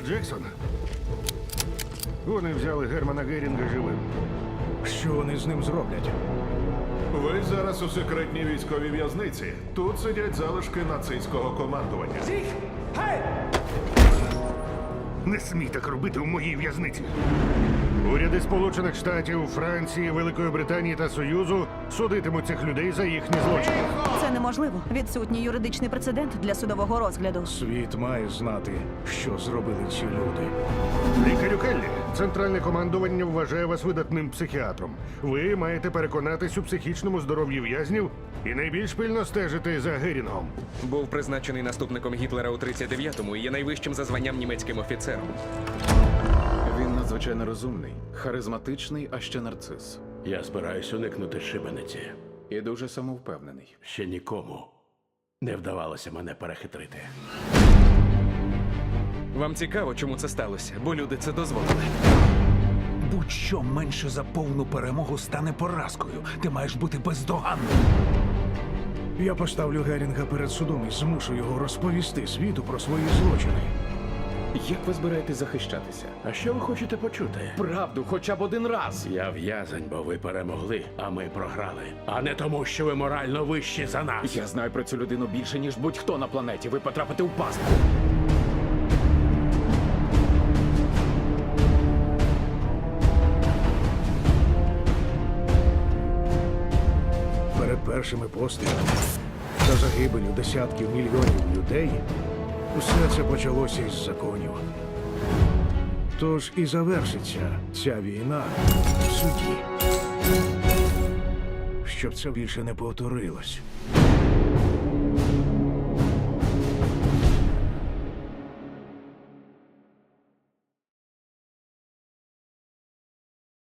А Джексон? Вони взяли Германа Герінга живим. Що вони з ним зроблять? Ви зараз у секретній військовій в'язниці. Тут сидять залишки нацистського командування. Не смій так робити у моїй в'язниці. Уряди Сполучених Штатів, Франції, Великої Британії та Союзу судитимуть цих людей за їхні злочини. Це неможливо. Відсутній юридичний прецедент для судового розгляду. Світ має знати, що зробили ці люди. Лікарю Келлі, центральне командування вважає вас видатним психіатром. Ви маєте переконатись у психічному здоров'ї в'язнів і найбільш пильно стежити за Герінгом. Був призначений наступником Гітлера у 39-му і є найвищим за званням німецьким офіцером. Він надзвичайно розумний, харизматичний, а ще нарцис. Я збираюсь уникнути шибениці. І дуже самовпевнений. Ще нікому не вдавалося мене перехитрити. Вам цікаво, чому це сталося? Бо люди це дозволили. Будь-що менше за повну перемогу стане поразкою. Ти маєш бути бездоганним. Я поставлю Герінга перед судом і змушу його розповісти світу про свої злочини. Як ви збираєтесь захищатися? А що ви хочете почути? Правду, хоча б один раз. Я в'язень, бо ви перемогли, а ми програли. А не тому, що ви морально вищі за нас. Я знаю про цю людину більше, ніж будь-хто на планеті. Ви потрапите у пастку. Перед першими пострілами та загибелю десятків мільйонів людей усе це почалося із законів. Тож і завершиться ця війна в суді. Щоб це більше не повторилось.